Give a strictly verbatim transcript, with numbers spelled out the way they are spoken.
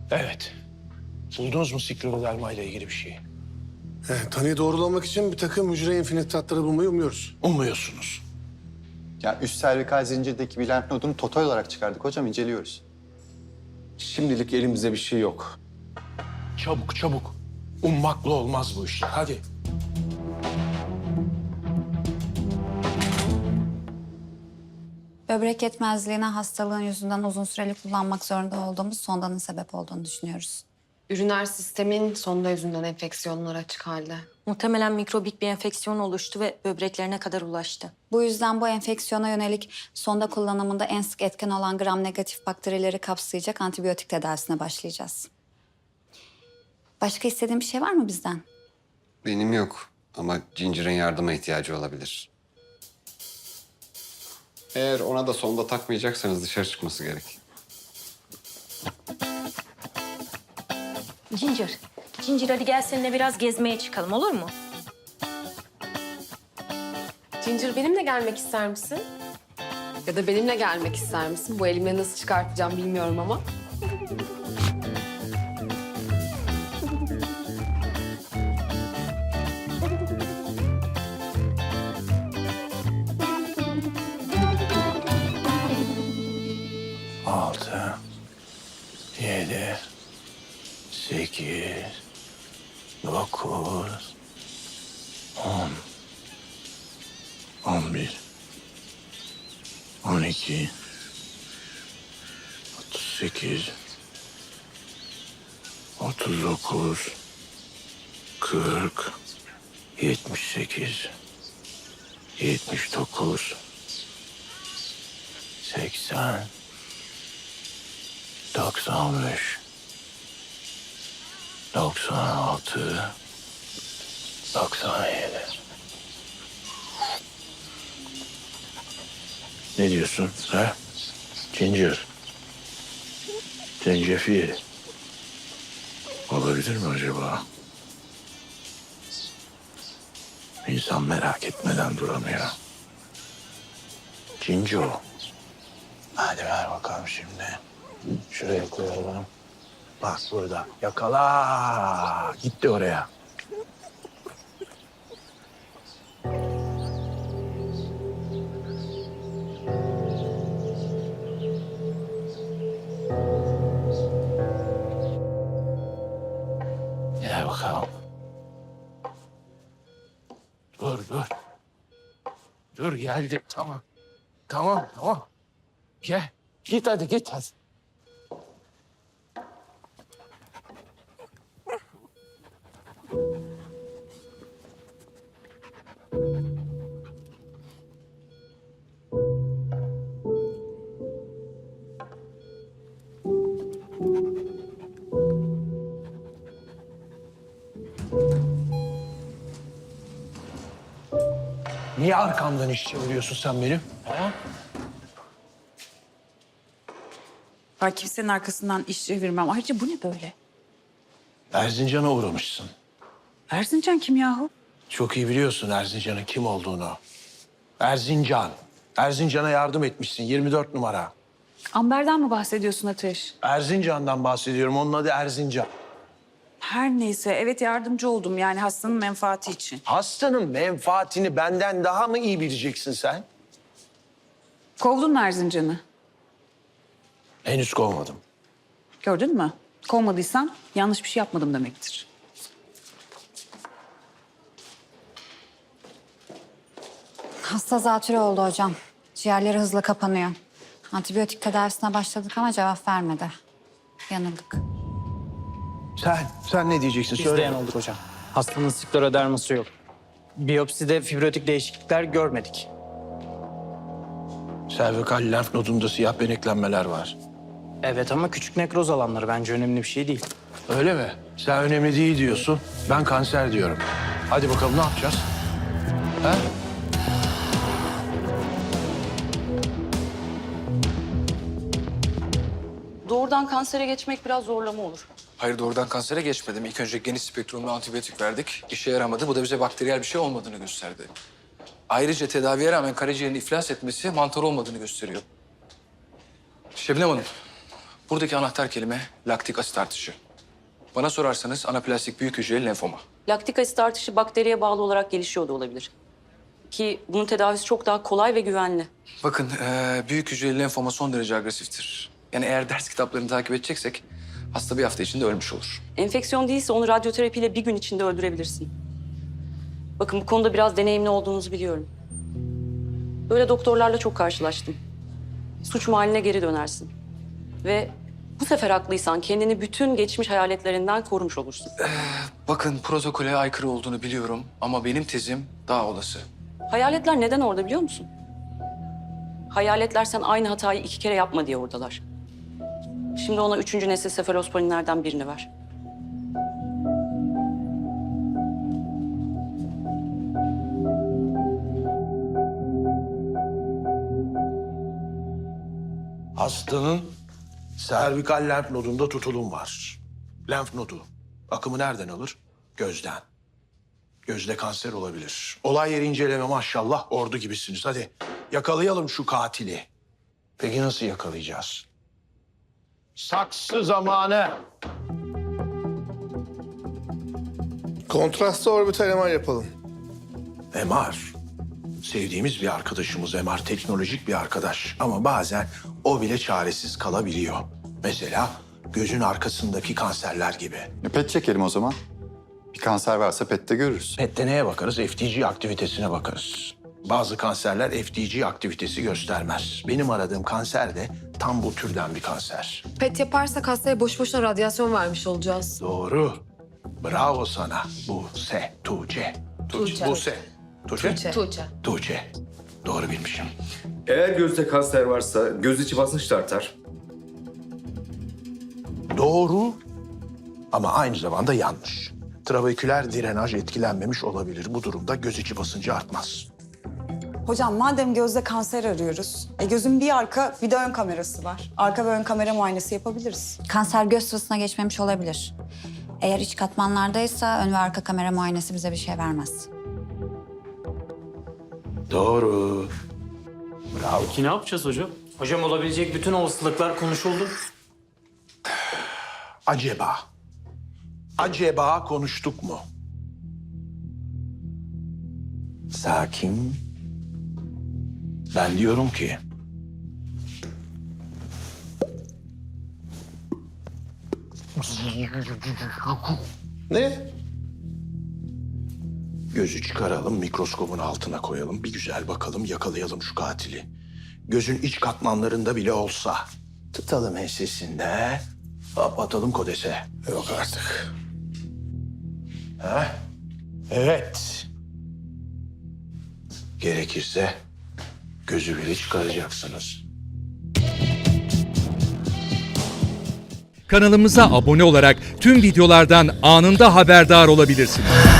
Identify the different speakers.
Speaker 1: Evet. Buldunuz mu skleroderma ile ilgili bir şey?
Speaker 2: Evet, tanıyı doğrulamak için bir takım hücre infinitratları bulmayı umuyoruz.
Speaker 1: Umuyorsunuz.
Speaker 3: Ya üst servikal zincirdeki bir lenf nodunu total olarak çıkardık hocam, inceliyoruz.
Speaker 4: Şimdilik elimizde bir şey yok.
Speaker 1: Çabuk çabuk. Ummakla olmaz bu işler. Hadi.
Speaker 5: Böbrek yetmezliğine hastalığın yüzünden uzun süreli kullanmak zorunda olduğumuz sondanın sebep olduğunu düşünüyoruz.
Speaker 6: Üriner sistemin sonda yüzünden enfeksiyonlara açık halde.
Speaker 7: Muhtemelen mikrobik bir enfeksiyon oluştu ve böbreklerine kadar ulaştı.
Speaker 5: Bu yüzden bu enfeksiyona yönelik sonda kullanımında en sık etken olan gram negatif bakterileri kapsayacak antibiyotik tedavisine başlayacağız. Başka istediğin bir şey var mı bizden?
Speaker 8: Benim yok ama Ginger'ın yardıma ihtiyacı olabilir. Eğer ona da sonda takmayacaksanız dışarı çıkması gerek.
Speaker 7: Ginger, Ginger hadi gel seninle biraz gezmeye çıkalım olur mu?
Speaker 6: Ginger benimle gelmek ister misin? Ya da benimle gelmek ister misin? Bu elimle nasıl çıkartacağım bilmiyorum ama.
Speaker 1: Altı, yedi, sekiz, dokuz, on, on bir, on iki, otuz sekiz, otuz dokuz, kırk, yetmiş sekiz, yetmiş dokuz, seksen, doksan beş, doksan altı, doksan yedi. Ne diyorsun ha? Ginger. Zencefil. Olabilir mi acaba? İnsan merak etmeden duramıyor. Cinco. Hadi ver bakalım şimdi. Şuraya koyalım. Bak burada. Yakala. Gitti oraya. Gel bakalım. Dur, dur. Dur geldi. Tamam. Tamam, tamam. Gel. Git hadi, git hadi. Niye arkamdan iş çeviriyorsun sen benim? Ha?
Speaker 9: Ben kimsenin arkasından iş çevirmem. Ayrıca bu ne böyle?
Speaker 1: Erzincan'a uğramışsın.
Speaker 9: Erzincan kim yahu?
Speaker 1: Çok iyi biliyorsun Erzincan'ın kim olduğunu. Erzincan. Erzincan'a yardım etmişsin yirmi dört numara.
Speaker 9: Amber'den mi bahsediyorsun Ateş?
Speaker 1: Erzincan'dan bahsediyorum. Onun adı Erzincan.
Speaker 9: Her neyse evet yardımcı oldum yani hastanın menfaati için.
Speaker 1: Hastanın menfaatini benden daha mı iyi bileceksin sen?
Speaker 9: Kovdun mu Erzincan'ı?
Speaker 1: Henüz kovmadım.
Speaker 9: Gördün mü? Kovmadıysan yanlış bir şey yapmadım demektir.
Speaker 5: Hasta zatürre oldu hocam. Ciğerleri hızla kapanıyor. Antibiyotik tedavisine başladık ama cevap vermedi. Yanıldık.
Speaker 1: Sen, sen ne diyeceksin?
Speaker 10: Biz
Speaker 1: Söyle.
Speaker 10: de yanıldık hocam. Hastanın skleroderması yok. Biyopside fibrotik değişiklikler görmedik.
Speaker 1: Servikal lenf nodunda siyah beneklenmeler var.
Speaker 10: Evet ama küçük nekroz alanları bence önemli bir şey değil.
Speaker 1: Öyle mi? Sen önemli değil diyorsun. Ben kanser diyorum. Hadi bakalım ne yapacağız? Ha?
Speaker 9: Doğrudan kansere geçmek biraz zorlama olur.
Speaker 11: Hayır doğrudan kansere geçmedim. İlk önce geniş spektrumlu antibiyotik verdik. İşe yaramadı. Bu da bize bakteriyel bir şey olmadığını gösterdi. Ayrıca tedaviye rağmen karaciğerin iflas etmesi mantar olmadığını gösteriyor. Şebnem Hanım, Buradaki anahtar kelime laktik asit artışı. Bana sorarsanız anaplastik büyük hücreli lenfoma.
Speaker 7: Laktik asit artışı bakteriye bağlı olarak gelişiyor da olabilir. Ki bunun tedavisi çok daha kolay ve güvenli.
Speaker 11: Bakın eee, büyük hücreli lenfoma son derece agresiftir. Yani eğer ders kitaplarını takip edeceksek hasta bir hafta içinde ölmüş olur.
Speaker 7: Enfeksiyon değilse onu radyoterapiyle bir gün içinde öldürebilirsin. Bakın bu konuda biraz deneyimli olduğunuzu biliyorum. Böyle doktorlarla çok karşılaştım. Suç mahalline geri dönersin. Ve bu sefer haklıysan kendini bütün geçmiş hayaletlerinden korumuş olursun.
Speaker 11: Bakın protokole aykırı olduğunu biliyorum ama benim tezim daha olası.
Speaker 7: Hayaletler neden orada biliyor musun? Hayaletler sen aynı hatayı iki kere yapma diye oradalar. Şimdi ona üçüncü nesil sefalosporinlerden birini ver.
Speaker 12: Hastanın servikal lenf nodunda tutulum var. Lenf nodu akımı nereden alır? Gözden. Gözde kanser olabilir. Olay yeri inceleme maşallah ordu gibisiniz. Hadi yakalayalım şu katili. Peki nasıl yakalayacağız? Saksı zamanı.
Speaker 2: Kontrastlı orbital M R yapalım.
Speaker 12: M R. Sevdiğimiz bir arkadaşımız M R teknolojik bir arkadaş. Ama bazen o bile çaresiz kalabiliyor. Mesela gözün arkasındaki kanserler gibi.
Speaker 3: E, pet çekelim o zaman. Bir kanser varsa pette görürüz.
Speaker 12: P E T'te neye bakarız? F D G aktivitesine bakarız. Bazı kanserler F D G aktivitesi göstermez. Benim aradığım kanser de tam bu türden bir kanser.
Speaker 6: Pet yaparsak hastaya boş boşuna radyasyon vermiş olacağız.
Speaker 12: Doğru. Bravo sana. Buse, Tuğçe.
Speaker 6: Tuğçe.
Speaker 12: Buse. Tuğçe?
Speaker 6: Tuğçe.
Speaker 12: Tuğçe. Doğru bilmişim.
Speaker 4: Eğer gözde kanser varsa göz içi basınç da artar.
Speaker 12: Doğru ama aynı zamanda yanlış. Trabeküler drenaj etkilenmemiş olabilir. Bu durumda göz içi basıncı artmaz.
Speaker 9: Hocam madem gözde kanser arıyoruz, e gözün bir arka bir de ön kamerası var. Arka ve ön kamera muayenesi yapabiliriz.
Speaker 5: Kanser göz sıvısına geçmemiş olabilir. Eğer iç katmanlardaysa ön ve arka kamera muayenesi bize bir şey vermez.
Speaker 12: Doğru. Bravo.
Speaker 10: Ki ne yapacağız hocam? Hocam olabilecek bütün olasılıklar konuşuldu.
Speaker 12: Acaba, acaba konuştuk mu? Sakin. Ben diyorum ki...
Speaker 2: Ne?
Speaker 12: Gözü çıkaralım, mikroskobun altına koyalım. Bir güzel bakalım, yakalayalım şu katili. Gözün iç katmanlarında bile olsa. Tutalım ensesinde, hop atalım kodese.
Speaker 2: Yok artık.
Speaker 12: Ha? Evet. Gerekirse gözü bile çıkaracaksınız.
Speaker 13: Kanalımıza abone olarak tüm videolardan anında haberdar olabilirsiniz.